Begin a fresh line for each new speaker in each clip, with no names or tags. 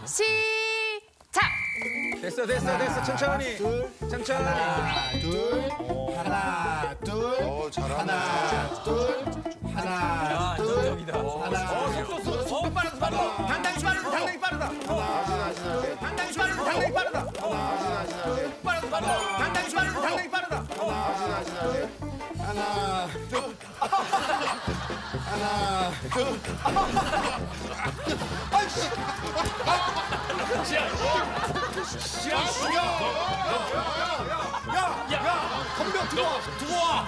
시작!
됐어. 천천히. 천천히.
하나, 둘,
잘하네.
하나, 둘.
속도 빠르다. 당당히 빠르다. 당당히 빠르다. 당당히 빠르다. 당당히 빠르다. 빠르다. 당당히 빠르다. 당당히 빠르다.
하나, 둘. 하나, 둘. 아이씨. 야, 건병 들어와.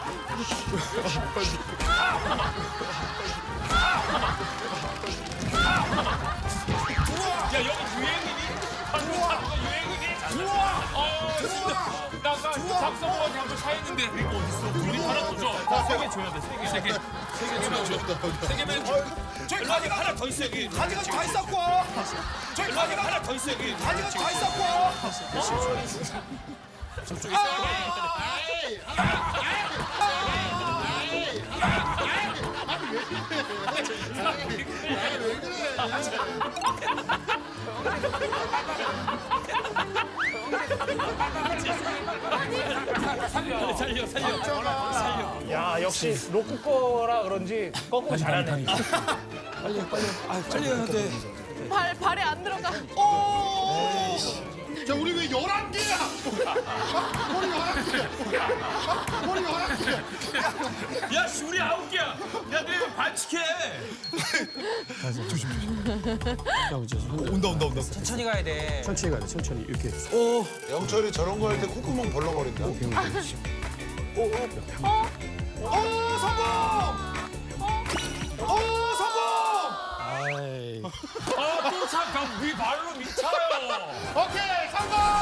야 여기 유행이니? 방금 타는 거 유행이니? 나 박성호한테 한번 사했는데 이거 어딨어? 둘이 하나 더 줘. 세개 줘야 돼. 세 개 줘. 세 개면 줘. 저기 가지가 하나 더 있어 여기.
가지가 다 있었고.
저기 가지가 하나 더 있어 여기.
가지가 다 있었고.
저쪽에 있어. 살려.
야 역시 로크 거라 그런지 거꾸로 잘하네.
발에 안 들어가.
자, 우리 왜 11개야? 머리 11개. 머리 11개.
야 씨, 우리 9개야. 야 너희 반칙해.
온다.
천천히 가야 돼.
천천히 가야 돼. 천천히 이렇게.
영철이 저런 거 할 때 콧구멍 벌렁거린다.
아또 잠깐 위 발로 미쳐요.
오케이, 성공!